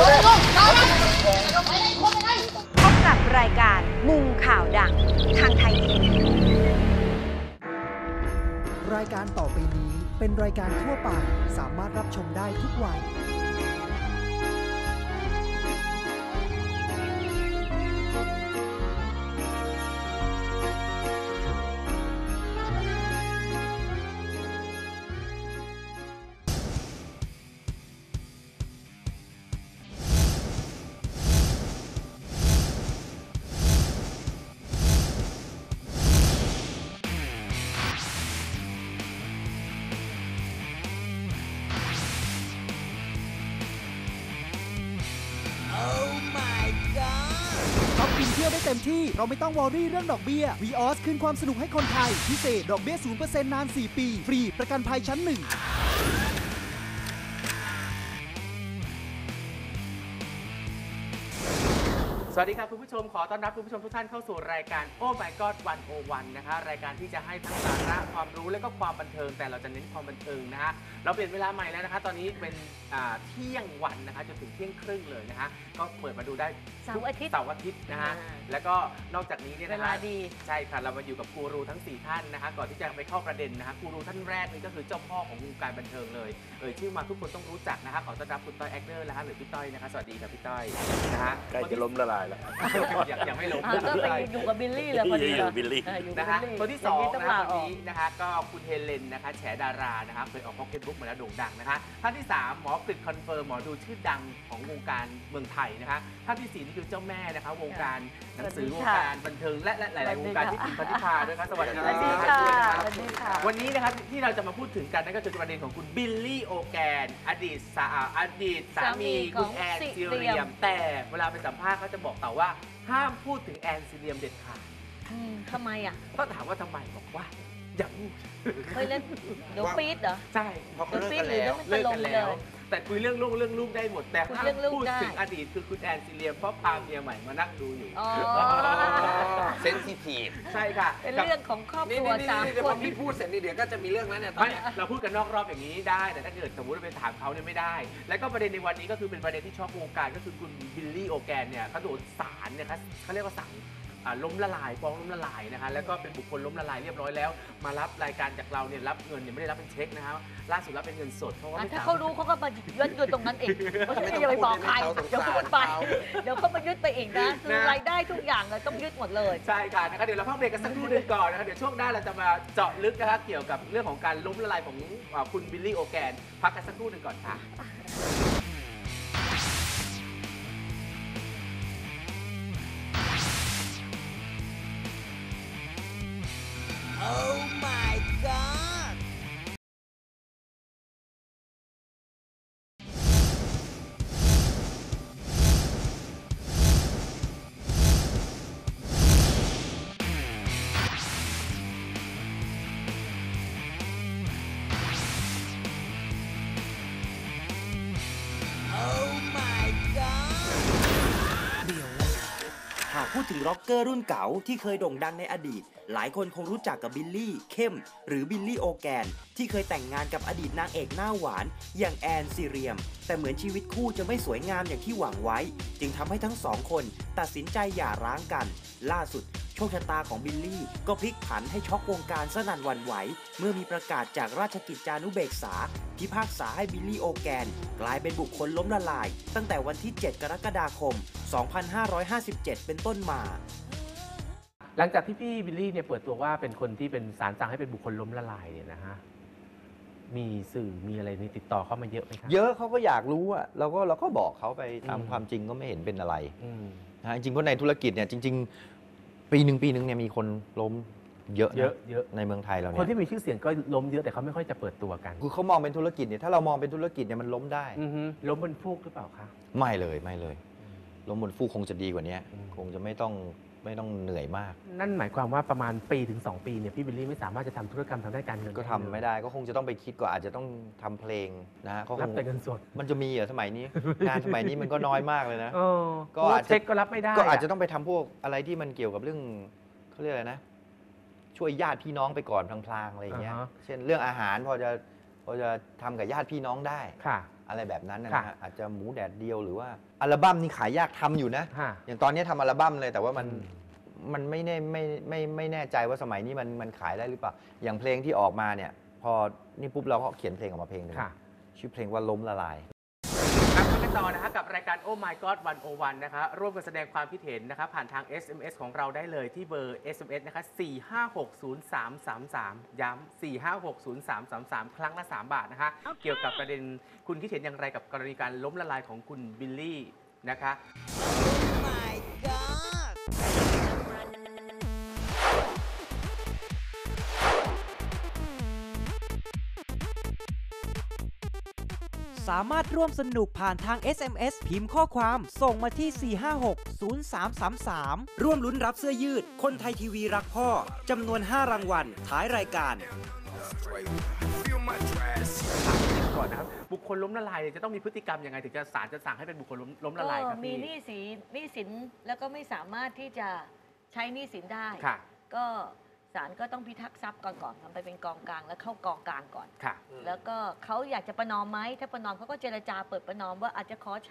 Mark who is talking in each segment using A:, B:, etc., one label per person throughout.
A: พบกับรายการมุมข่าวดังทางไทยทีวี
B: รายการต่อไปนี้เป็นรายการทั่วไปสามารถรับชมได้ทุกวัยเที่ยวได้เต็มที่เราไม่ต้องวอรี่เรื่องดอกเบี้ย VOS คืนความสนุกให้คนไทยพิเศษดอกเบี้ย 0% นาน 4 ปีฟรีประกันภัยชั้น 1
C: สวัสดีครับคุณผู้ชมขอต้อนรับคุณผู้ชมทุกท่านเข้าสู่รายการ Oh My God 101 นะคะรายการที่จะให้ทั้งสาระความรู้และก็ความบันเทิงแต่เราจะเน้นความบันเทิงนะฮะเราเปลี่ยนเวลาใหม่แล้วนะคะตอนนี้เป็นเที่ยงวันนะคะจนถึงเที่ยงครึ่งเลยนะคะก็เปิดมาดูได้เสาร์อาทิตย์นะฮะแล้วก็นอกจากนี้เนี่ยนะคะใช่ค่ะเรามาอยู่กับกูรูทั้ง4ท่านนะคะก่อนที่จะไปเข้าประเด็นนะคะกูรูท่านแรกนี่ก็คือเจ้าพ่อของวงการบันเทิงเลยชื่อมาทุกคนต้องรู้จักนะคะขอต้อนรับคุณต้อยแอคเนอร์นะคะหรือพี่ต้อยนะคะสวัสดีครับพี่ต้อยนะฮะ
D: ใกล้จะล้มละลายแล้ว
C: ยังไม่ลง
E: ก็ไปอยู่กับบิลลี่เลยพอดี
D: บิลลี่
C: นะคะคนที่2นะคะคนนี้นะคะก็คุณเฮเลนนะคะแฉดารานะคะเคยออกพ็อกเก็ตบุ๊กมาแล้วโด่งดังนะคะท่านที่3หมอกฤษคอนเฟิร์มหมอดูชื่อดังของวงการเมืองไทยนะคะท่านที่4นี่คือเจ้าแม่นะคะวงการหนังสือวงการบันเทิงและหลายๆวงการที่ถึงพันธิพาด้วยครับสวัสดีค่ะวันนี้นะครับที่เราจะมาพูดถึงกันนั่นก็คือประเด็นของคุณบิลลี่โอแกนอดีตสามีคุณแอนซิเรียมแต่เวลาไปสัมภาษณ์เขาจะบอกต่อว่าห้ามพูดถึงแอนซิเรียมเด็ดขาด
E: ทำไมอ่ะ
C: ก็ถามว่าทำไมบอกว่าอย่าพูด
E: เคยเล่นเดี๋ยวปี๊ดเหรอ
C: ใช่
E: เพราะเขาเลิกกันแล้ว
C: แต่คุยเรื่องลูกได้หมดแต่ห้ามพูดถึงอดีตคือคุณแอนซิเรียมเพราะพาเมียใหม่มานั่งดูอยู่
D: เซนซิทีฟ
C: ใช่ค่ะ
E: เป็นเรื่องของครอบครัวสามคน
D: พี่พูดเสร็จเดี๋ยวก็จะมีเรื่องนั้นเนี่ย
C: เราพูดกันนอกรอบอย่างนี้ได้แต่ถ้าเกิดสมมติเราไปถามเขาเนี่ยไม่ได้แล้วก็ประเด็นในวันนี้ก็คือเป็นประเด็นที่ช็อกวงการก็คือคุณบิลลี่โอแกนเนี่ยเขาโดนศาลเนี่ยเขาเรียกว่าสั่งล้มละลายฟ้องล้มละลายนะคะแล้วก็เป็นบุคคลล้มละลายเรียบร้อยแล้วมารับรายการจากเราเนี่ยรับเงินเนี่ยไม่ได้รับเป็นเช็คนะครับล่าสุดรับเป็นเงินสดเพราะว่า
E: ถ้าเขารู้เขาก็มายึดตรงนั้นเองไม่อย่าไปบอกใครเดี๋ยวพูดไปเดี๋ยวเขามายึดไปอีกนะคือรายได้ทุกอย่างเลยต้องยึดหมดเลย
C: ใช่ค่ะนะคะเดี๋ยวเราพักเบรกกันสักครู่นึงก่อนนะคะเดี๋ยวช่วงหน้าเราจะมาเจาะลึกนะคะเกี่ยวกับเรื่องของการล้มละลายของคุณบิลลี่โอแกนพักกันสักครู่นึงก่อนค่ะ
F: Oh my God
G: หากพูดถึงร็อกเกอร์รุ่นเก่าที่เคยโด่งดังในอดีตหลายคนคงรู้จักกับบิลลี่เข้มหรือบิลลี่โอแกนที่เคยแต่งงานกับอดีตนางเอกหน้าหวานอย่างแอนซิเรียมแต่เหมือนชีวิตคู่จะไม่สวยงามอย่างที่หวังไว้จึงทำให้ทั้งสองคนตัดสินใจหย่าร้างกันล่าสุดโชคชะตาของบิลลี่ก็พลิกผันให้ช็อกวงการสนั่นหวั่นไหวเมื่อมีประกาศจากราชกิจจานุเบกษาพิพากษาให้บิลลี่โอแกนกลายเป็นบุคคลล้มละลายตั้งแต่วันที่ 7 กรกฎาคม 2557 เป็นต้นมา
C: หลังจากที่พี่บิลลี่เนี่ยเปิดตัวว่าเป็นคนที่เป็นศาลสั่งให้เป็นบุคคลล้มละลายเนี่ยนะฮะมีสื่อมีอะไรในติดต่อเข้ามาเยอะไหมครับ
D: เยอะเขาก็อยากรู้อะเราก็บอกเขาไปตามความจริงก็ไม่เห็นเป็นอะไรนะจริงๆเพราะในธุรกิจเนี่ยจริงๆปีหนึ่งเนี่ยมีคนล้มเยอะในเมืองไทยเราเนี่ย
C: คนที่มีชื่อเสียงก็ล้มเยอะแต่เขาไม่ค่อยจะเปิดตัวกัน
D: คือเขามองเป็นธุรกิจเนี่ยถ้าเรามองเป็นธุรกิจเนี่ยมันล้มได้
C: ล้มบนฟูกหรือเปล่าคะ
D: ไม่เลยล้มบนฟูกคงจะดีกว่านี้คงจะไม่ต้องเหนื่อยมาก
C: นั่นหมายความว่าประมาณปีถึง2 ปีเนี่ยพี่บิลลี่ไม่สามารถจะทำธุรกรรมทางด้านการเงิน
D: ก็ทำไม่ได้ก็คงจะต้องไปคิดก่อนอาจจะต้องทำเพลงนะเขา
C: รับแต่เงินสด
D: มันจะมีเหรอสมัยนี้ งานสมัยนี้มันก็น้อยมากเลยนะ
C: ก็อาจจะเช็คก็รับไม่ได้
D: ก็อาจจะต้องไปทำพวกอะไรที่มันเกี่ยวกับเรื่องเขาเรียกอะไรนะช่วยญาติพี่น้องไปก่อนพลางๆอะไรอย่างเงี้ยเช่นเรื่องอาหารพอจะพอจะทำกับญาติพี่น้องได้
C: ค่ะ
D: อะไรแบบนั้นนะ
C: ค่ะ
D: ฮะอาจจะหมูแดดเดียวหรือว่าอัลบั้มนี่ขายยากทำอยู่นะ
C: ค่ะ
D: อย่างตอนนี้ทำอัลบั้มเลยแต่ว่ามัน
C: อืม
D: มันไม่แน่ใจว่าสมัยนี้มันขายได้หรือเปล่าอย่างเพลงที่ออกมาเนี่ยพอนี่ปุ๊บเราก็เขียนเพลงออกมาเพลงหนึง
C: ค่ะ
D: ชื่อเพลงว่าล้มละลาย
C: ครับกันต่อนะคะกับรายการ Oh My God 101 นะคะร่วมกันแสดงความคิดเห็นนะคะผ่านทาง SMS ของเราได้เลยที่เบอร์ SMS นะคะ4560333 ย้ำ4560333 ครั้งละ 3 บาทนะคะ เกี่ยวกับประเด็นคุณคิดเห็นอย่างไรกับกรณีการล้มละลายของคุณบิลลี่นะคะ
F: Oh my god
H: สามารถร่วมสนุกผ่านทาง SMS พิมพ์ข้อความส่งมาที่ 4560333
G: ร่วมลุ้นรับเสื้อยืด คนไทยทีวีรักพ่อ จำนวน 5 รางวัล ท้ายรายการ
C: ก่อนนะครับบุคคลล้มละลายเนี่ยจะต้องมีพฤติกรรมยังไงถึงจะศาลจะสั่งให้เป็นบุคคลล้มละลายครับ
E: มี
C: พี่
E: หนี้สินแล้วก็ไม่สามารถที่จะใช้หนี้สินได้
C: ค่ะ
E: ก็ศาลก็ต้องพิทักษ์ทรัพย์ก่อนทำไปเป็นกองกลางแล้วเข้ากองกลางก่อน
C: ค่ะ
E: แล้วก็เขาอยากจะประนอมไหมถ้าประนอมเขาก็เจรจาเปิดประนอมว่าอาจจะขอใช้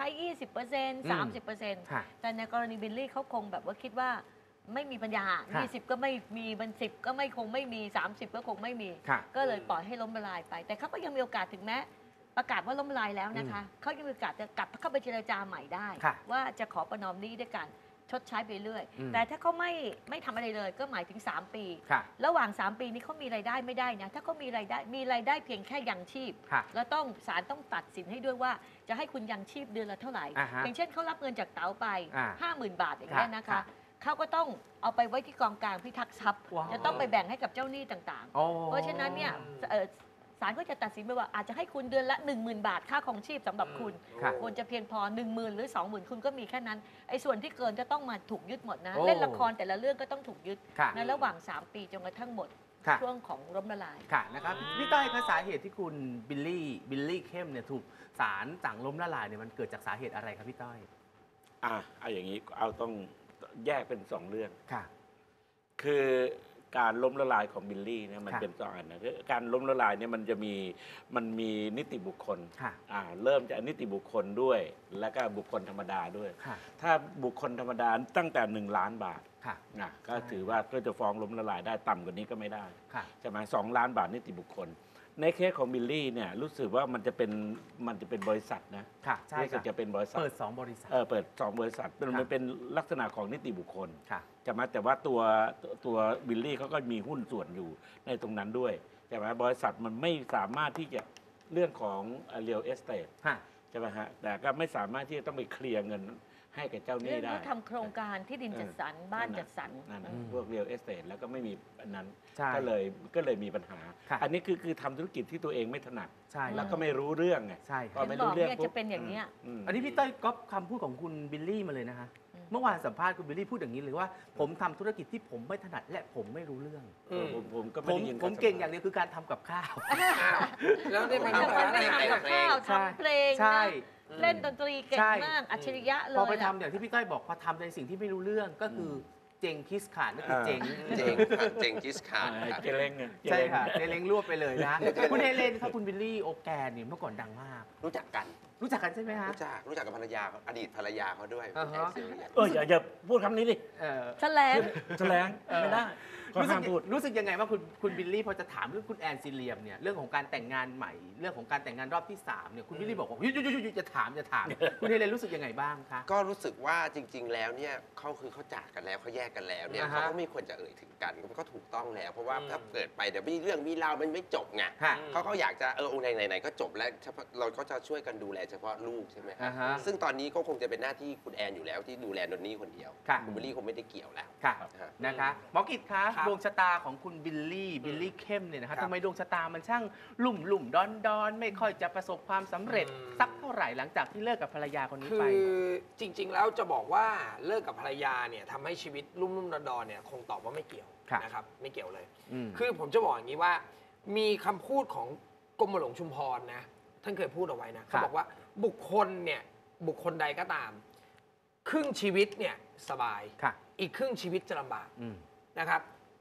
E: 20% 30%
C: ค่ะ
E: แต่ในกรณีบิลลี่เขาคงแบบว่าคิดว่าไม่มีปัญญา
C: ค่ะ
E: 20 ก็ไม่มีมัน10 ก็ไม่คงไม่มี 30 ก็คงไม่มี
C: ค่ะ
E: ก็เลยปล่อยให้ล้มละลายไป แต่เขาก็ยังมีโอกาสถึงแม้ประกาศว่าล้มละลายแล้วนะคะเขายังมีโอกาสจะกลับเข้าไปเจรจาใหม่ได้
C: ค่ะ
E: ว่าจะขอประนอมหนี้ด้วยกันชดใช้ไปเรื่อย
C: อืม
E: แต่ถ้าเขาไม่ทำอะไรเลยก็หมายถึง 3 ปี
C: ค่ะ
E: ระหว่าง 3 ปีนี้เขามีรายได้ไม่ได้นะถ้าเขามีรายได้เพียงแค่ยังชีพ
C: ค่ะ
E: แล้วศาลต้องตัดสินให้ด้วยว่าจะให้คุณยังชีพเดือนละเท่าไหร่
C: อ่าฮะ
E: อย่างเช่นเขารับเงินจากเต๋าไป 50,000 บาทอย่างนี้ยนะ
C: ค่ะ
E: คะเขาก็ต้องเอาไปไว้ที่กองกลางพิทักษ์ทรัพย์
C: ว้าว
E: จะต้องไปแบ่งให้กับเจ้าหนี้ต่าง
C: โอ้
E: ๆ เพราะฉะนั้นเนี่ยศาลก็จะตัดสินไปว่าอาจจะให้คุณเดือนละ 10,000 บาทค่าของชีพสำหรับคุณ
C: ค่ะ
E: ควรจะเพียงพอ 10,000 หรือ 20,000 คุณก็มีแค่นั้นไอ้ส่วนที่เกินจะต้องมาถูกยึดหมดนะ
C: โอ้
E: เล่นละครแต่ละเรื่องก็ต้องถูกยึด
C: ค่ะ
E: ในระหว่าง 3 ปีจนกระทั่งหมด
C: ค่ะ
E: ช่วงของล้มละลาย
C: ค่ะนะครับพี่ต้อยคะสาเหตุที่คุณบิลลี่เข้มเนี่ยถูกศาลสั่งล้มละลายเนี่ยมันเกิดจากสาเหตุอะไรครับพี่ต้อย
I: เอาอย่างนี้เอาต้องแยกเป็น2 เรื่อง
C: ค่ะ
I: คือการล้มละลายของบิลลี่เนี่ยมัน
C: ค่ะ
I: เป็น2 อันนะคือการล้มละลายเนี่ยมันมีนิติบุคคล
C: ค่ะ
I: เริ่มจากนิติบุคคลด้วย แล้วก็บุคคลธรรมดาด้วย
C: ค่ะ
I: ถ้าบุคคลธรรมดาตั้งแต่1 ล้านบาท
C: ค่ะ
I: นะก็ถือว่าก็จะฟ้องล้มละลายได้ต่ำกว่านี้ก็ไม่ได้
C: ค่ะ
I: ใช่ไหม2 ล้านบาทนิติบุคคล ในเคสของบิลลี่เนี่ยรู้สึกว่ามันจะเป็นบริษัทนะ
C: ค่ะใช่
I: รู้สึ
C: ค่ะ
I: กจะเป็นบริษัท
C: เปิด2บริษัท
I: เปิด2 บริษัทมัน
C: ค่ะ
I: เป็นลักษณะของนิติบุคคล
C: ค่ะ
I: ใช่ไหมแต่ว่าตัวบิลลี่เขาก็มีหุ้นส่วนอยู่ในตรงนั้นด้วยใช่ไหมบริษัทมันไม่สามารถที่จะเรื่องของเรียลเอสเตท
C: ค่ะ
I: ใช่ไหมฮะแต่ก็ไม่สามารถที่จะต้องไปเคลียร์เงินให้กับเจ้าหนี้
E: เรื่อง
I: ได้
E: เขาทำโครงการที่ดินจัดสรรบ้านจัดสรร
I: นั่นน่ะ
C: อืม
I: พวกเรียลเอสเตทแล้วก็ไม่มีอันนั้น
C: ใช่
I: ก็เลยมีปัญหา
C: ค่ะ
I: อันนี้คือทำธุรกิจที่ตัวเองไม่ถนัด
C: ใช่
I: แล้วก็ไม่รู้เรื่องไง
C: ใช่
I: พ
C: ค
I: อ
C: รับ
I: ไม่
E: เห็นบ
I: รู้
E: อก
I: เรื่อง
E: เนี่ย
I: ปุ๊
E: จะเป็นอย่างเนี้ย
I: ม
C: อันนี้พี่ต้อยก๊อปคำพูดของคุณบิลลี่มาเลยนะคะ เมื่อวานสัมภาษณ์คุณบิลลี่พูดอย่างนี้เลยว่า ผมทำธุรกิจที่ผมไม่ถนัดและผมไม่รู้เรื่อง
I: ผมก็
C: ผ
I: ไม่
C: ม
I: ได้ยิน
C: ผมเก่งอย่างเดียวคือการทำกับข้าว
F: แล้วได้มา
E: ทำ
F: ทำ
E: ไม่
F: อะไร
E: ทำกับข้าว
C: ใช่
E: ทำเพลง
C: ใช่
E: นะเล่นดนตรีเก่ง
C: ใช่
E: มากอัจฉริยะเลย
C: พอไป
E: อะ
C: ทำอย่างที่พี่ต้อยบอกพอทำในสิ่งที่ไม่รู้เรื่องก็คือเจงคิสขาดก็คือเจง
J: เจงครับเจงกิสคาร์ดครับ
I: เจเล้งไง
C: ใช่ค่ะเจเล้งรวบไปเลยนะ คุณเฮเลนครับคุณบิลลี่โอแกนเนี่ยเมื่อก่อนดังมาก
J: รู้จักกัน
C: รู้จักกันใช่ไหมฮะ
J: รู้จักกับภรรยาเขาอดีตภรรยาเขาด้วย
C: อ่าฮะ
J: แอนซิเลียน
I: อย่าพูดคำนี้ดิ
E: แถลง
I: แถลงไม่ได้ก็
C: รู้สึ
I: ห้าก มพูด
C: รู้สึกยังไงว่าคุณบิลลี่พอจะถามเรื่องคุณแอนซิเลียมเนี่ยเรื่องของการแต่งงานใหม่เรื่องของการแต่งงานรอบที่3เนี่ยคุณบิลลี่บอกว่าหยุดจะถามคุณเฮเลนรู้สึกยังไงบ้างคะ
J: ก็รู้สึกว่าจริง ๆ แล้วเนี่ยเขาจากกันแล้วเขาแยกกันแล้วเนี่ย
C: อ่าฮะ
J: เขาก็ไม่ควรจะเอ่ยถึงกันมันก็ถูกต้องแล้ว เพราะว่าถ้าเกิดไปเดี๋ยวมีเรื่องมีราวมันไม่จบไง
C: ฮะ
J: เขาอยากจะไหนก็จบแล้วเฉพาะเราก็จะช่วยกันดูแลเฉพาะลูกใช่ไหมครั
C: อ่าฮะ
J: ซึ่งตอนนี้ก็คงจะเป็นหน้าที่คุณแอนอยู่แล้วที่ดูแลนนนี่คนเดียว
C: ค่ะ
J: คุณบิลลี่คงไม่ได้เกี่ยวแล้ว
C: ค่ะ
J: ฮะ
C: นะคะหมอกิตคะ
F: ครับ
C: ดวงชะตาของคุณบิลลี่เข้มเนี่ยนะคะ
F: ครับ
C: ทำไมดวงชะตามันช่างลุ่มดอนไม่ค่อยจะประสบความสำเร็จสักเท่าไหร่หลังจากที่เลิกกับภรรยาคนนี้
F: คื
C: ไป
F: อจริง ๆ แล้วจะบอกว่าเลิกกับภรรยาเนี่ยทำให้ชีวิตรุ่มๆดอนๆเนี่ยคงตอบว่าไม่เกี่ยว
C: ครับ
F: นะครับไม่เกี่ยวเลย
C: ม
F: คือผมจะบอกอย่างนี้ว่ามีคำพูดของกรมหลวงชุมพรนะท่านเคยพูดเอาไว้นะเขาบอกว่าบุคคลใดก็ตาม ครึ่งชีวิตเนี่ยสบาย
C: ค่ะ
F: อีกครึ่งชีวิตจะลำบาก
C: อืม
F: นะครับ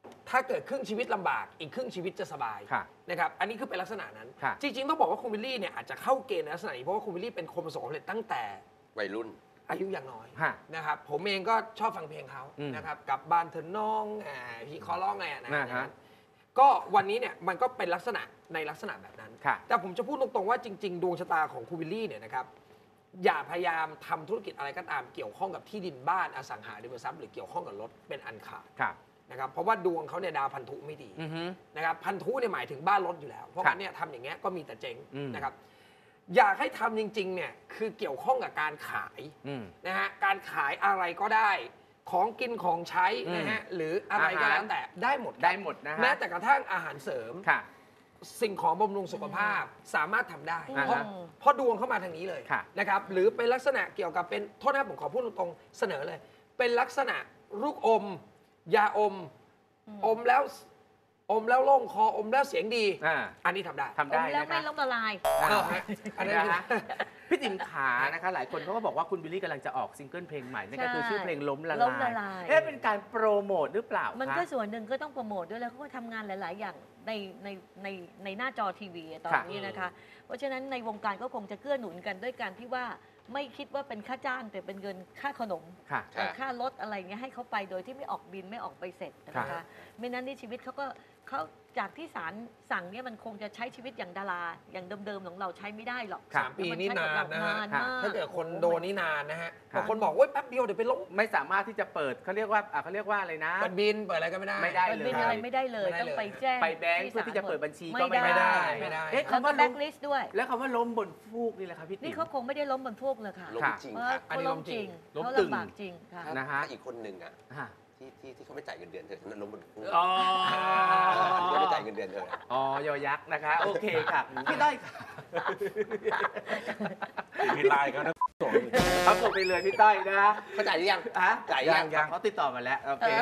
F: ถ้าเกิดครึ่งชีวิตลำบากอีกครึ่งชีวิตจะสบาย
C: ค่ะ
F: นะครับอันนี้คือเป็นลักษณะนั้น
C: ค่ะ
F: จริงๆต้องบอกว่าคุณวิลลี่เนี่ยอาจจะเข้าเกณฑ์ในลักษณะนี้เพราะว่าคุณวิลลี่เป็นคนประสบความสำเร็จตั้งแต่
J: วัยรุ่น
F: อายุอย่างน้อย
C: ฮะ
F: นะครับผมเองก็ชอบฟังเพลงเขา
C: อืม
F: นะครับกลับบ้านเธอน้องพี่ขอร้องไงนะ
C: นะฮะ
F: ก็วันนี้เนี่ยมันก็เป็นลักษณะในลักษณะแบบนั้น
C: ค่ะ
F: แต่ผมจะพูดตรงๆว่าจริงๆดวงชะตาของคุณวิลลี่เนี่ยนะครับอย่าพยายามทำธุรกิจอะไรก็ตามเกี่ยวข้องกับที่ดินบ้านอสังหาริมทรัพย์หรือเกี่ยวข้องกับรถเป็นอันขาด
C: ค่ะ
F: นะครับเพราะว่าดวงเขาเนี่ยดาวพันธุไม่ดี
C: อือฮึ
F: นะครับพันธุเนี่ยหมายถึงบ้านรถอยู่แล้ว เพราะ
C: ครับ
F: งั้นเนี่ยทำอย่างเงี้ยก็มีแต่เจ๊ง
C: อืม
F: นะครับอยากให้ทำจริงๆเนี่ยคือเกี่ยวข้องกับการขาย
C: อืม
F: นะฮะการขายอะไรก็ได้ของกินของใช้นะฮะหรืออะไรก็แล้วแต่ได้หมดครับ
C: ได้หมดนะฮะ
F: แม้แต่กระทั่งอาหารเสริม
C: ค่ะ
F: สิ่งของบำรุงสุขภาพสามารถทำได้
C: อ่าฮะ
F: เพราะดวงเข้ามาทางนี้เลย
C: ค่ะ
F: นะครับหรือเป็นลักษณะเกี่ยวกับเป็นโทษนะครับผมขอพูดตรงๆเสนอเลย เป็นลักษณะลูกอม ยาอม อมแล้วโล่งคออมแล้วเสียงดี อันนี้ทำได้
C: ทำได้
E: แล้ว
C: นะ
E: ไม่
C: คะ
E: ล้มละลาย
F: อันนี้
C: นะฮะพี่ติ๋มขานะคะหลายคนเขาก็บอกว่าคุณบิลลี่กำลังจะออกซิงเกิลเพลงใหม่นั่นก็คือ
E: ใช่
C: ชื่อเพลงล้มละ
E: ล้มละ
C: ลา
E: ลาย
C: ยเป็นการโปรโมทหรือเปล่า
E: มัน
C: คะ
E: ก็ส่วนหนึ่งก็ต้องโปรโมทด้วยแล้วเขาก็ทำงานหลาย ๆ อย่างในหน้าจอทีวีตอนนี้นะคะ เพราะฉะนั้นในวงการก็คงจะเกื้อหนุนกันด้วยการที่ว่าไม่คิดว่าเป็นค่าจ้างแต่เป็นเงินค่าขนม
C: ค่ะ
E: ค่ารถอะไรเงี้ยให้เขาไปโดยที่ไม่ออกบินไม่ออกไปเสร็จนะ
C: ครั
E: คะ
C: บ
E: ไม่นั้นที่ชีวิตเขาจากที่ศาลสั่งเนี่ยมันคงจะใช้ชีวิตอย่างดาราอย่างเดิม ๆ ของเราใช้ไม่ได้หรอก
F: 3 ปีนี่นานนะฮะ
E: นานมาก
F: ถ้าเกิดคนโดนนี่นานนะฮะ
C: ครับ
F: บางคนบอกว่าแป๊บเดียวเดี๋ยวไปล้ม
C: ไม่สามารถที่จะเปิดเขาเรียกว่าอะไรนะ
F: เปิดบินเปิดอะไรก็ไม่ได้
C: ไม่ได้
E: เปิดบินอะไรไม่ได้เลย
F: ไม่ได้เลย
E: ต้องไปแจ้ง
C: ไปแบงค์เพื่อที่จะเปิดบัญชีก็
E: ไม่ได้
F: ไม่ได้
C: เอ๊ะ
E: แล้ว
C: คำ
E: ก็
C: ว่า
E: แบ็
C: ล้ม
E: คลิสต์ด้วย
C: แล้วคำว่าล้มบนฟูกนี่แหละครับพี่ติ๋
E: นี่
C: ม
E: เขาคงไม่ได้ล้มบนพวกเลยค่ะ
J: ล้มจริง
E: เพราะ
J: ค่ะ
E: เขาล้มจริง
C: ล้ม
E: เขา
C: ตึง
E: ลำบากจริงค่ะ
C: นะฮะ
J: ถ้าอีกคนหนึ่งอ่ะ
C: ฮะ
J: ที่เขาไม่จ่ายเงินเดือนเธอฉันนั้นล้มบนฟูก
C: อ๋อ
J: ที่ไม่จ่ายเงินเดือนเธอ
C: อ๋อยอยักษ์นะคะ โอเคค่ะพี่ต้อยค่ะ
I: มีไลน์เขานะส่ง
C: เขาส่งไปเลยพี่ต้อยนะ
J: เขาจ่ายหรือยัง
C: ฮะ
J: จ่ายยัง
C: เขาติดต่อมาแล้วโอเค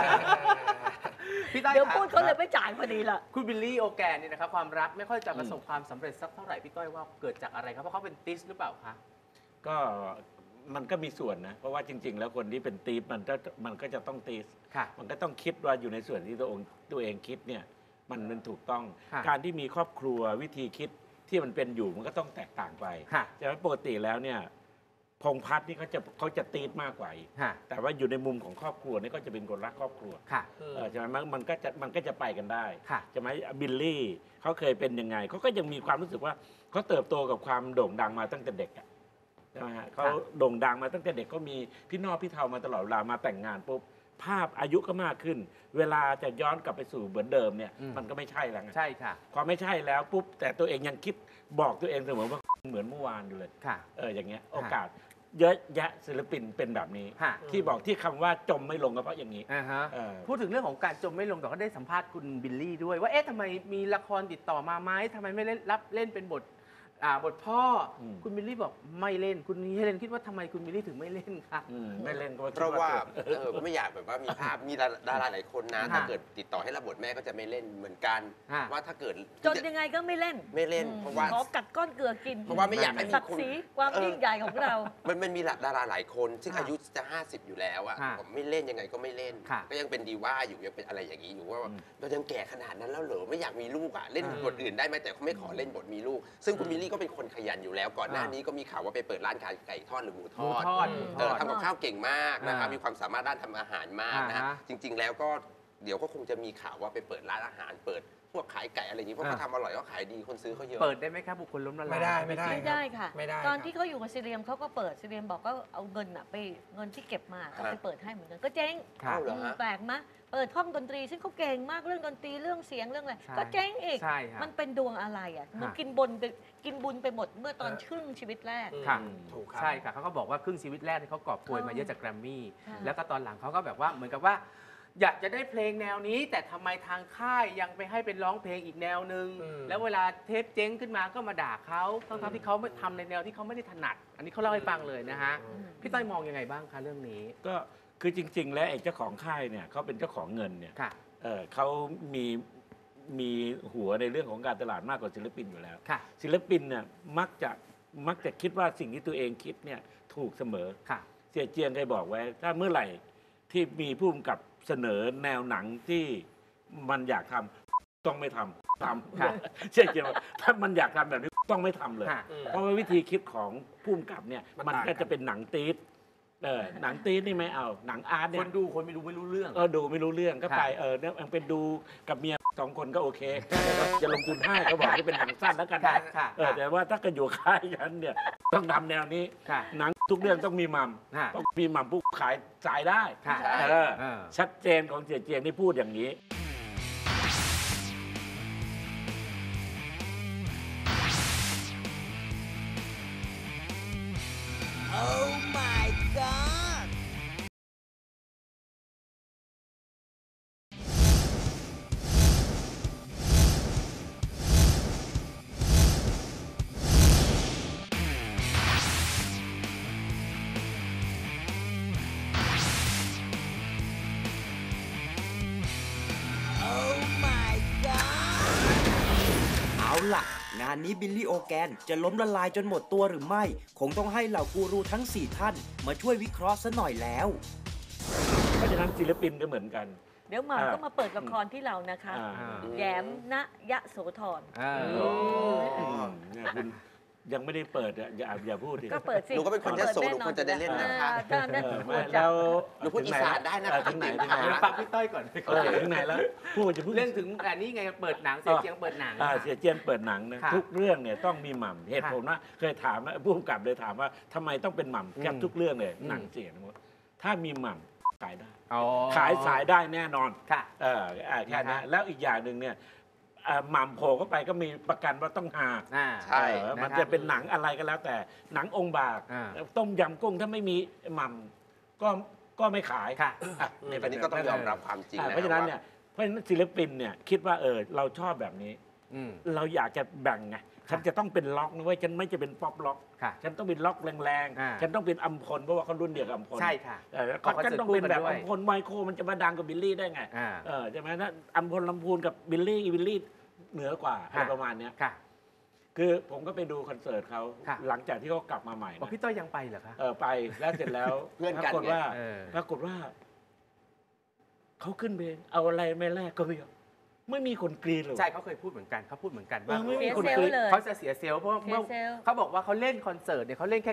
C: พี่ต้อย
E: เดี๋ยว
C: ค่ะ
E: พูดเขาเลยไม่จ่ายพอดีล่ะ
C: คุณบิลลี่โอแกนเนี่ยนะครับความรักไม่ค่อยจะประสบความสำเร็จสักเท่าไหร่พี่ต้อยว่าเกิดจากอะไรครับเพราะเขาเป็นติสหรือเปล่าคะ
I: ก็มันก็มีส่วนนะ เพราะว่าจริง ๆ แล้วคนที่เป็นตีฟมันก็จะต้องตีส
C: ค่ะ
I: มันก็ต้องคิดว่าอยู่ในส่วนที่ตัวเองคิดเนี่ยมันถูกต้อง
C: ค่ะ
I: การที่มีครอบครัววิธีคิดที่มันเป็นอยู่มันก็ต้องแตกต่างไป
C: ค่ะ
I: ใช่ไหมปกติแล้วเนี่ยพงษ์พัฒน์นี่เขาจะตีดมากกว่าอีก
C: ค่ะ
I: แต่ว่าอยู่ในมุมของครอบครัวนี่ก็จะเป็นคนรักครอบครัว
C: ค่ะ
I: ใช่ไหมมันก็จะไปกันได้
C: ค่ะ
I: ใช่ไหมบิลลี่เขาเคยเป็นยังไงเขาก็ยังมีความรู้สึกว่าเขาเติบโตกับความโด่งดังมาตั้งแต่เด็กอะใช่ไหมฮะเขาโด่งดังมาตั้งแต่เด็กก็มีพี่น้องพี่เทามาตลอดเวลามาแต่งงานปุ๊บภาพอายุก็มากขึ้น เวลาจะย้อนกลับไปสู่เหมือนเดิมเนี่ยมันก็ไม่ใช่แล้วไง
C: ใช่ค่ะ
I: พอไม่ใช่แล้วปุ๊บแต่ตัวเองยังคิดบอกตัวเองเสมอว่าเหมือนเมื่อวานอยู่เลย
C: ค่ะ
I: อย่างเงี้ยโอกาสเยอะแยะศิลปินเป็นแบบนี้
C: ค่ะ
I: ที่บอกที่คำว่าจมไม่ลงก็เพราะอย่างนี้
C: อ่าฮะ
I: เออ
C: พูดถึงเรื่องของการจมไม่ลงแต่ก็ได้สัมภาษณ์คุณบิลลี่ด้วยว่าเอ๊ะทำไมมีละครติดต่อมาไหมทำไมไม่เล่นเป็นบทพ่ออ
I: ม
C: คุณบิลลี่บอกไม่เล่นคุณเฮเลนคิดว่าทำไมคุณบิลลี่ถึงไม่เล่นคะ
I: ไม่เล่นก็
J: เพราะว่าก็ไม่อยากแบบว่ามีภาพมีดาราหลายคนนะ
C: ฮะ
J: ถ้าเกิดติดต่อให้รับบทแม่ก็จะไม่เล่นเหมือนกัน
C: ฮะ
J: ว่าถ้าเกิด
E: จนยังไงก็ไม่เล่น
J: ไม่เล่นเพราะว่า
E: ขอกัดก้อนเกลือกิน
J: เพราะว่าไม่อยากให้มี
E: ศักดิ์ศรีความยิ่งใหญ่ของเรา
J: มันมีดาราหลายคน ซึ่งอายุจะ 50 อยู่แล้วอะ
C: ฮะ
J: ผมไม่เล่นยังไงก็ไม่เล่น
C: ค่ะ
J: ก็ยังเป็นดีว่าอยู่ยังเป็นอะไรอย่างนี้อยู่ว่าเรายังแก่ขนาดนั้นแล้วเหรอไม่อยากมีลูกอะเล่นบทอื่นได้ไหมแต่เขาไม่ขอเล่นบทมีลูก ซึ่งคุณมิลลี่ก็เป็นคนขยันอยู่แล้วก่อนหน้านี้ก็มีข่าวว่าไปเปิดร้านขายไก่ทอดหรือหมูทอด
C: หมูทอด
J: ทำกับข้าวเก่งมากนะครับ
C: อ่ามี
J: มีความสามารถด้านทำอาหารมากนะฮะ
C: อ่าฮะ
J: จริง ๆ แล้วก็เดี๋ยวก็คงจะมีข่าวว่าไปเปิดร้านอาหารเปิดพวกขายไก่อะไรอย่างนี้เพราะเขาทำอร่อยก็ขายดีคนซื้อเขาเยอะ
C: เปิดได้ไหมครับบุคคลล้มละลาย
F: ไม่ได้
E: ไม่ได้ค่ะ
F: ไม่ได้
E: ตอน
F: ครับ
E: ที่เขาอยู่กับซีเรียมเขาก็เปิดซีเรียมบอกก็เอาเงินไปเงินที่เก็บมาเอาไปเปิดให้เหมือนกันก็เจ๊ง
C: ครับ
J: เหรอฮะ
E: แปลกมะเปิดห้องดนตรีซึ่งเขาเก่งมากเรื่องดนตรีเรื่องเสียงเรื่องอะไร
C: ใช่
E: ก็เจ๊งอีก
C: ใช่ครับ
E: มันเป็นดวงอะไรอ่ะหนู
C: ฮะ
E: กินบุญไปหมดเมื่อตอนครึ่งชีวิตแรก
C: ค่ะ
F: ถูกครับ
C: ใช่ค่ะเขาก็บอกว่าครึ่งชีวิตแรกที่เขากอบโกยมาเยอะจากแกรมมี่
E: ค่ะ
C: แล้วก็ตอนหลังเขาก็แบบว่าเหมือนกับว่า อยากจะได้เพลงแนวนี้ แต่ทำไมทางค่ายยังไปให้เป็นร้องเพลงอีกแนวหนึ่ง
F: อืม
C: แล้วเวลาเทปเจ๊งขึ้นมาก็มาด่าเขาทั้งๆที่เขาไม่ทำในแนวที่เขาไม่ได้ถนัด อันนี้เขาเล่าให้ฟังเลยนะฮะพี่ต้อยมองยังไงบ้างคะเรื่องนี้
I: ก็คือจริง ๆ แล้วไอ้เจ้าของค่ายเนี่ยเขาเป็นเจ้าของเงินเนี่ย
C: ค่ะ
I: เขามีหัวในเรื่องของการตลาดมากกว่าศิลปินอยู่แล้ว
C: ค่ะ
I: ศิลปินเนี่ยมักจะคิดว่าสิ่งที่ตัวเองคิดเนี่ยถูกเสมอ
C: ค่ะ
I: เสียเจียงเคยบอกไว้ ถ้าเมื่อไหร่ที่มีผู้กำกับเสนอแนวหนังที่มันอยากทำต้องไม่ทำเชื่อว่าถ้ามันอยากทำแบบนี้ต้องไม่ทำเลย เพราะว่าวิธีคิดของผู้กำกับเนี่ยมันก็จะเป็นหนังตี๊ดหนังตี๊ดนี่ไม่เอาหนังอาร์ตเนี่ย
C: คนดูไม่รู้เรื่อง
I: ดูไม่รู้เรื่องก็ไปเนี่ยเป็นดูกับเมีย2 คนก็โอเคจะลงทุนให้ก็บอกให้เป็นหนังสั้นแล้วกันแต่ว่าถ้ากันอยู่ค่ายกันเนี่ยต้องทำแนวนี้หนังทุกเรื่องต้องมีมัมต้องมีมัมผู้ขายจ่ายได้ชัดเจนของเจียงที่พูดอย่างนี้
G: งานนี้บิลลี่โอแกนจะล้มละลายจนหมดตัวหรือไม่คงต้องให้เหล่ากูรูทั้ง4ท่านมาช่วยวิเคราะห์ซะหน่อยแล้ว
I: เพราะฉะนั้นศิลปินก็เหมือนกัน
E: เดี๋ยวมาก็มาเปิดละครที่เรานะคะแย้มณยโสธร
I: คุณยังไม่ได้เปิดอย่าพูดดิ
E: ก็เปิดสิ
J: หนูก็เป็นคนยโสหนูควรจะได้เล่นนะคะ
I: แล้ว
J: หนูพูดอีสานได้นะ
I: ถึงไหน
C: ฟังพี่ต้อยก่อน
I: ถึงไหนแล้วพูดจะพูด
C: เรื่องถึงอันนี้ไงเปิดหนังเสียเจียงเปิดหนัง
I: เสียเจียงเปิดหนังนะทุกเรื่องเนี่ยต้องมีหม่ำเหตุผลว่าเคยถามผู้กำกับเลยถามว่าทำไมต้องเป็นหม่ำแกทุกเรื่องเลยหนังเสียหมดถ้ามีหม่ำขายได้ขายสายได้แน่นอนแค่นั้นแล้วอีกอย่างหนึ่งเนี่ยหม่ำโผล่เข้าไปก็มีประกันว่าต้องหา
J: ใช่
I: มันจะเป็นหนังอะไรก็แล้วแต่หนังองค์บากต้มยำกุ้งถ้าไม่มีหม่ำก็ไม่ขาย
J: อันนี้ก็ต้องยอมรับความจริง
I: เพราะฉะนั้นเนี่ยศิลปินเนี่ยคิดว่าเราชอบแบบนี้เราอยากจะแบ่งไงฉันจะต้องเป็นล็อกนะเว้ยฉันไม่จะเป็นป๊อปล็อกฉันต้องเป็นล็อกแรงๆฉันต้องเป็นอัมพลเพราะว่าเขารุ่นเดียวกับอัมพล
C: ใช่ค่ะ
I: ฉันต้องเป็นแบบอัมพลไมโครมันจะมาดังกับบิลลี่ได้ไงใช่ไหมถ้าอัมพลลำพูนกับบิลลี่เหนือกว่าอะไรประมาณนี้คือผมก็ไปดูคอนเสิร์ตเขาหลังจากที่เขากลับมาใหม่
C: พี่ต้อยยังไปเหรอคะ
I: ไปแล้วเสร็จแล้วปรากฏว่าเขาขึ้นเพลงเอาอะไรไม่แลกก็ไม่มีคนกรีดเลย
C: ใช่เขาเคยพูดเหมือนกัน
E: ว่า
C: ไม่
E: มีคนกรีด
C: เขาจะเสียเซลล์เพราะเขาบอกว่าเขาเล่นคอนเสิร์ตเนี่ยเขาเล่นแค่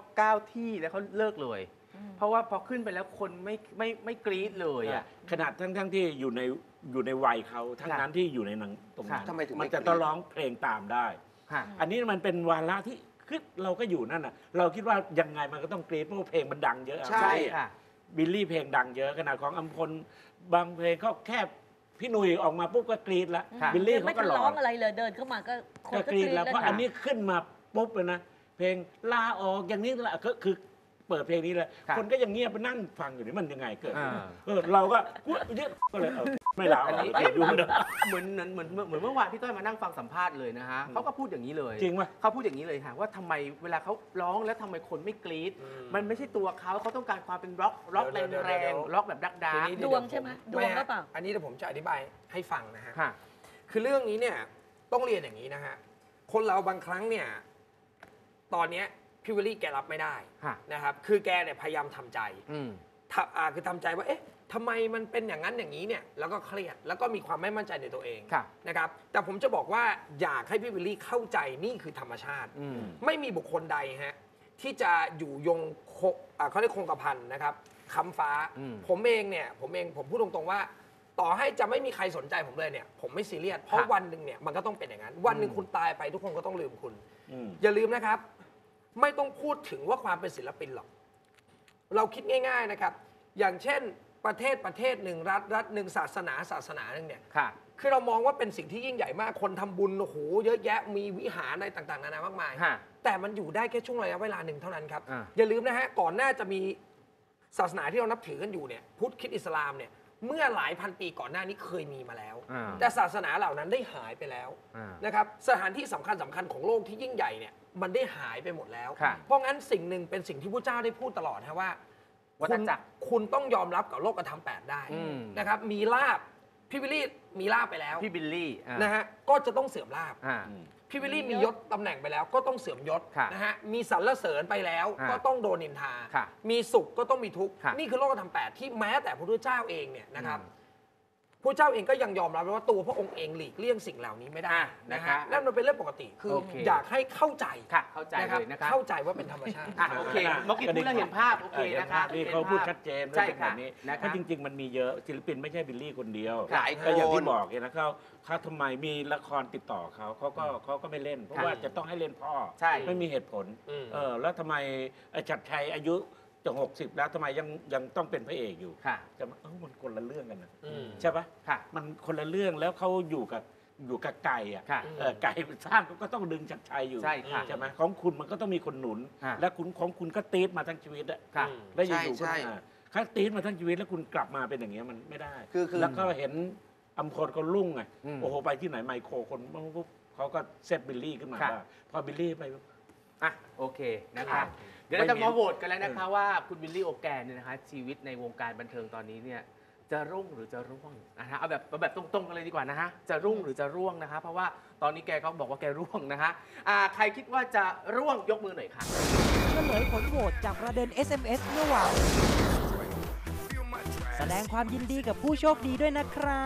C: 9ที่แล้วเขาเลิกเลยเพราะว่าพอขึ้นไปแล้วคนไม่กรี๊ดเลย
I: ขนาดทั้งที่อยู่ในวัยเขาทั้งนั้นที่อยู่ในหนังตรงนั้นมันจะต้องร้องเพลงตามได้อันนี้มันเป็นวาระที่คือเราก็อยู่นั่นน่ะเราคิดว่ายังไงมันก็ต้องกรี๊ดเพราะเพลงมันดังเยอะ
C: ใช่
I: บิลลี่เพลงดังเยอะขนาดของอัมพลบางเพลงก็แค่พี่หนุ่ยออกมาปุ๊บก็กรี๊ดแล้วบิลลี่เขาก็ร้อง
E: อะไรเลยเดินเข้ามาก็
I: กรี๊ดแล้วเพราะอันนี้ขึ้นมาปุ๊บเลยนะเพลงลาออกอย่างนี้แหละก็คือเปิดเพลงนี้เลยคนก็ยังเงียบไปนั่งฟังอยู่นี่มันยังไงเกิดเราก็เลยไม่ลาออกอยู่
C: เหมือนเมื่อวานพี่ต้อยมานั่งฟังสัมภาษณ์เลยนะฮะเขาก็พูดอย่างนี้เลย
I: จริงไหม
C: เขาพูดอย่างนี้เลยค่ะว่าทำไมเวลาเขาร้องแล้วทำไมคนไม่กรี๊ดมันไม่ใช่ตัวเขาต้องการความเป็นร็อกแรงๆร็อกแบบดักดา
E: ดวงใช่ไหมดวงก็เปล่า
F: อันนี้เดี๋ยวผมจะอธิบายให้ฟังนะฮะคือเรื่องนี้เนี่ยต้องเรียนอย่างนี้นะฮะคนเราบางครั้งเนี่ยตอนนี้พี่วิลลี่แกรับไม่ได้นะครับคือแกเนี่ยพยายามทำใจคือทำใจว่าเอ๊ะทำไมมันเป็นอย่างนั้นอย่างนี้เนี่ยแล้วก็เครียดแล้วก็มีความไม่มั่นใจในตัวเองนะครับแต่ผมจะบอกว่าอยากให้พี่วิลลี่เข้าใจนี่คือธรรมชาติไม่มีบุคคลใดฮะที่จะอยู่ยงเขาเรียกคงกระพันนะครับค้ำฟ้าผมเองผมพูดตรงๆว่าต่อให้จะไม่มีใครสนใจผมเลยเนี่ยผมไม่ซีเรียสเพราะวันหนึ่งเนี่ยมันก็ต้องเป็นอย่างนั้นวันหนึ่งคุณตายไปทุกคนก็ต้องลืมคุณอย่าลืมนะครับไม่ต้องพูดถึงว่าความเป็นศิลปินหรอกเราคิดง่ายๆนะครับอย่างเช่นประเทศหนึ่งรัฐหนึ่งศาสนาหนึ่งเนี่ยคือเรามองว่าเป็นสิ่งที่ยิ่งใหญ่มากคนทำบุญโอ้โหเยอะแยะมีวิหารอะไรต่างๆนานามากมายแต่มันอยู่ได้แค่ช่วงระยะเวลาหนึ่งเท่านั้นครับอย่าลืมนะฮะก่อนหน้าจะมีศาสนาที่เรานับถือกันอยู่เนี่ยพุทธคริสต์อิสลามเนี่ยเมื่อหลายพันปีก่อนหน้านี้เคยมีมาแล้วแต่ศาสนาเหล่านั้นได้หายไปแล้วนะครับสถานที่สำคัญของโลกที่ยิ่งใหญ่เนี่ยมันได้หายไปหมดแล้วเพราะงั้นสิ่งหนึ่งเป็นสิ่งที่พระเจ้าได้พูดตลอดนะว่าคุณต้องยอมรับกับโลกธรรม8ได้นะครับมีลาภพี่บิลลี่มีลาบไปแล้ว
C: พี่บิลลี่
F: นะฮะก็จะต้องเสื่อมลาบ พี่วิลลี่มียศตำแหน่งไปแล้วก็ต้องเสื่อมยศ
C: ค่ะ
F: นะฮะมีสรรเสริญไปแล้ว
C: ค่ะ
F: ก็ต้องโดนนินทา
C: ค่ะ
F: มีสุขก็ต้องมีทุกข์
C: ค่ะ
F: นี่คือโลกธรรม 8ที่แม้แต่พระพุทธเจ้าเองเนี่ยนะครับพระเจ้าเองก็ยังยอมรับว่าตัวพระองค์เองหลีกเลี่ยงสิ่งเหล่านี้ไม่ได้นะฮะนั่นมันเป็นเรื่องปกติคืออยากให้เข้าใจ
C: ค่ะเข้าใจเลยนะครับ
F: เข้าใจว่าเป็นธรรมชาติ
C: โอเคเมื่อกี้พูดแล้วเห็นภาพโอเคนะครับ
I: นี่เขาพูดชัดเจน
C: ใช่
I: ว่าเป็น
C: ค่ะ
I: แบบนี้
C: นะค
I: เพ
C: รับ
I: ราะจริง ๆ มันมีเยอะศิลปินไม่ใช่บิลลี่คนเดียว
J: หลายคน
I: ก็อย่างที่บอกเนี่ยนะเขาทำไมมีละครติดต่อเขาก็ไม่เล่น เพราะว่าจะต้องให้เล่นพ่อ
C: ใช่
I: ไม่มีเหตุผลแล้วทำไมชัดชัยอายุจะ60แล้วทำไมยังต้องเป็นพระเอกอยู่
C: ค่ะ
I: จะมันคนละเรื่องกันนะ
F: ใช่
I: ใช่ปะ
C: ค่ะ
I: มันคนละเรื่องแล้วเขาอยู่กับไก่อ่ะ
C: ค่ะ
I: ไก่สร้างก็ต้องดึงชัดชัยอยู่
C: ใช่ค่ะ
I: ใช่ไหมของคุณมันก็ต้องมีคนหนุน
C: ค่ะ
I: และของคุณก็ตีดมาทั้งชีวิตอะ
C: ค่ะ
I: แล้วอยู่ๆก็
J: ใช่
I: ถ้าตีดมาทั้งชีวิตแล้วคุณกลับมาเป็นอย่างเงี้ยมันไม่ได้
J: คือ
I: แล้วก็เห็นอัมพลคนรุ่งไง
C: อืม
I: โอ้โหไปที่ไหนไมโครคนปุ๊บเขาก็เซตบิลลี่ขึ้นมา
C: ค่ะ
I: ได้พอบิลลี่ไป
C: โอเคนะครับเดี๋ยวเราจะมาโหวตกันแล้วนะคะว่าคุณวิลลี่โอแกนเนี่ยนะคะชีวิตในวงการบันเทิงตอนนี้เนี่ยจะรุ่งหรือจะร่วงนะฮะเอาแบบตรงๆกันเลยดีกว่านะฮะจะรุ่งหรือจะร่วงนะคะเพราะว่าตอนนี้แกก็บอกว่าแกร่วงนะคะใครคิดว่าจะร่วงยกมือหน่อยค่ะ
H: เฉลยผลโหวตจากประเด็น SMS เมื่อวานแสดงความยินดีกับผู้โชคดีด้วยนะครับ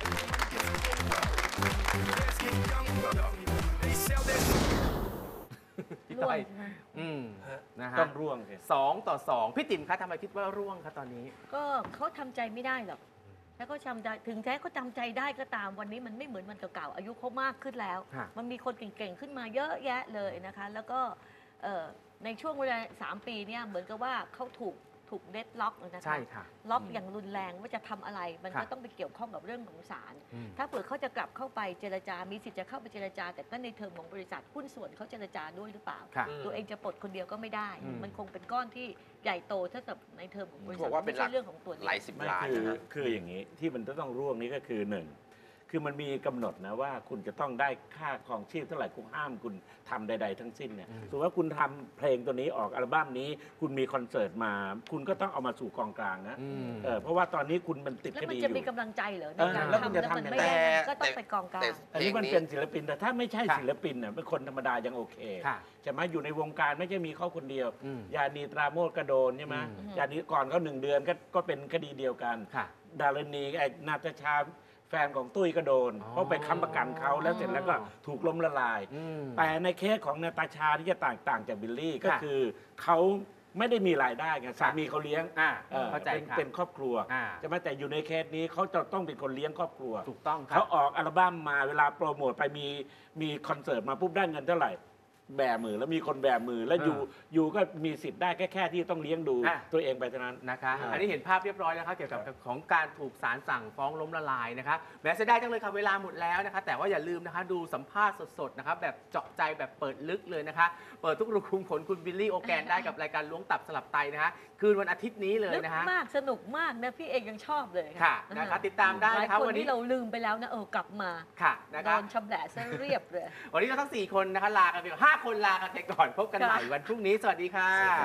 C: พี่ต้อยนะฮะ
I: ต้องร่วงสิ
C: 2-2พี่ติ๋มคะทำไมคิดว่าร่วงคะตอนนี้
E: ก็เขาทำใจไม่ได้หรอกถ้าเขาทำใจถึงแท้เขาจำใจได้ก็ตามวันนี้มันไม่เหมือนวันเก่าๆอายุเขามากขึ้นแล้ว
C: ค่ะ
E: มันมีคนเก่งๆขึ้นมาเยอะแยะเลยนะคะ แล้วก็ในช่วงเวลา3 ปีเนี่ยเหมือนกับว่าเขาถูกเดดล็อกนะคะ
C: ใช่ค่ะ
E: ล็อกอย่างรุนแรงว่าจะทำอะไร มันก็
C: ค่ะ
E: ต้องไปเกี่ยวข้องกับเรื่องของศาล
C: อืม
E: ถ้าเผื่อเขาจะกลับเข้าไปเจรจา มีสิทธิ์จะเข้าไปเจรจา แต่ก็ในเทอมของบริษัทหุ้นส่วนเขาเจรจาด้วยหรือเปล่า
C: ค่ะ
E: ตัวเองจะปลดคนเดียวก็ไม่ได้
C: อืม
E: มันคงเป็นก้อนที่ใหญ่โตเท่ากับในเทอมของบริษั
J: บ
E: ท
J: อกว่าเป็น
E: ไม่ใช่เรื่องของตัวเดียว
J: หลายสิบ
I: ไม่
J: ล้าน
I: คือ
J: นะฮะ
I: คืออย่างนี้ที่มันจะต้องร่วงนี้ก็คือหนึ่งคือมันมีกำหนดนะว่าคุณจะต้องได้ค่าครองชีพเท่าไหร่คุณห้ามคุณทำใด ๆ ทั้งสิ้นเนี่ยสมมติว่าคุณทำเพลงตัวนี้ออกอัลบั้มนี้ คุณมีคอนเสิร์ตมา คุณก็ต้องเอามาสู่กองกลางนะเพราะว่าตอนนี้คุณมันติด
E: แล้ว
I: ค
E: มัน
I: ดีอ
E: จะมี
I: ยู่
E: กำลังใจเหรอใน
I: เออ
E: การ
I: แล้วคุณ
E: ทำ
I: จะ
E: แล้วมัน
I: ทำ
E: ไม่
I: ยังไง
E: ได้ก็ต้องไปกองกลาง
I: อันนี้มันเป็นศิลปินแต่ถ้าไม่ใช่
C: ค่ะ
I: ศิลปินเนี่ยเป็นคนธรรมดายังโอเค
C: ค่ะ
I: ใช่ไหมอยู่ในวงการไม่ใช่มีเขาคนเดียว
C: อืม
I: ยานีตราโมดกระโดนใช่ไหม
C: อืม
I: ยานีก่อนเขา1 เดือนก็เป็นคดีเดียวกัน
C: ค่ะ
I: ดารณีไอ้นาตาชาแฟนของตุ้ยก็โดน
C: อ๋อ
I: เพราะไปค้ำประกันเขาแล้วเสร็จแล้วก็ถูกล้มละลาย
C: อืม
I: แต่ในเคสของนาตาชาที่จะต่างจากบิลลี่ก็
C: ค่ะ
I: คือเขาไม่ได้มีรายได้ไงสามีเขาเลี้ยง
C: เข้าใจค่ะ
I: เป็นครอบครัว
C: อ่า
I: ใช่ไหมแต่อยู่ในเคสนี้เขาจะต้องเป็นคนเลี้ยงครอบครัว
C: ถูกต้องครั
I: เขา
C: บ
I: ออกอัลบั้มมาเวลาโปรโมทไปมีคอนเสิร์ตมาปุ๊บได้เงินเท่าไหร่ แบมือแล้วมีคนแบมือแล้วอยู่ก็มีสิทธิ์ได้แค่ที่ต้องเลี้ยงดู
C: อ่ะ
I: ตัวเองไปเท่านั้น
C: นะคะ
I: อ่า
C: อันนี้เห็นภาพเรียบร้อยแล้วครับเกี่ยวกับของการถูกศาลสั่งฟ้องล้มละลายนะคะแม้เสียดายจังเลยค่ะเวลาหมดแล้วนะคะแต่ว่าอย่าลืมนะคะดูสัมภาษณ์สดๆนะคะแบบเจาะใจแบบเปิดลึกเลยนะคะเปิดทุกรูขุมขนคุณบิลลี่โอแกนได้กับรายการล้วงตับสลับไตนะคะคืนวันอาทิตย์นี้เลย
E: ลึก
C: นะคะ
E: มากสนุกมากนะพี่เองยังชอบเลย
C: ค่ะนะคะติดตามได้
E: หลาย
C: นะคะ
E: คน
C: วันนี้
E: ที่เราลืมไปแล้วนะกลับมา
C: ค่ะนะ
E: โด
C: คะ
E: นชำแหละซะเรียบเลย
C: วันนี้เราทั้ง4คนนะคะลากันไปก่อน5 คนลากันไปก่อนพบกันใหม่วันพรุ่งนี้สวัสดีค่ะ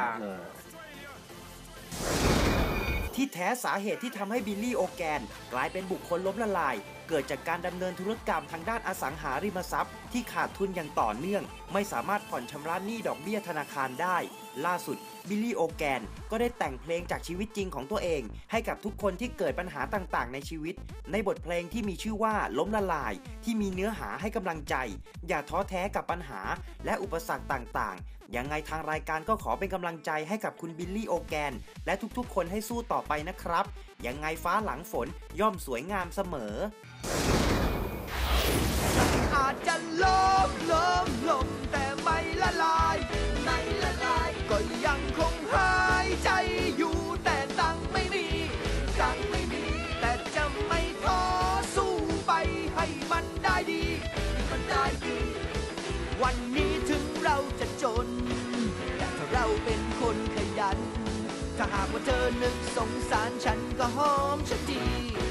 G: ที่แท้สาเหตุที่ทำให้บิลลี่โอแกนกลายเป็นบุคคลล้มละลาย เกิดจากการดำเนินธุรกรรมทางด้านอสังหาริมทรัพย์ที่ขาดทุนอย่างต่อเนื่อง ไม่สามารถผ่อนชำระหนี้ดอกเบี้ยธนาคารได้ ล่าสุดบิลลี่โอแกนก็ได้แต่งเพลงจากชีวิตจริงของตัวเอง ให้กับทุกคนที่เกิดปัญหาต่างๆในชีวิต ในบทเพลงที่มีชื่อว่าล้มละลาย ที่มีเนื้อหาให้กำลังใจ อย่าท้อแท้กับปัญหาและอุปสรรคต่างๆ ยังไงทางรายการก็ขอเป็นกำลังใจให้กับคุณบิลลี่โอแกนและทุกๆ คนให้สู้ต่อไปนะครับ ยังไงฟ้าหลังฝนย่อมสวยงามเสมอ
B: อาจจะล้มแต่ไม่ละลายก็ยังคงหายใจอยู่แต่ตังค์ไม่มีแต่จะไม่ท้อสู้ไปให้มันได้ดี วันนี้ถึงเราจะจน แต่ถ้าเราเป็นคนขยัน ถ้าหากว่าเธอนึกสงสารฉันก็หอมฉันที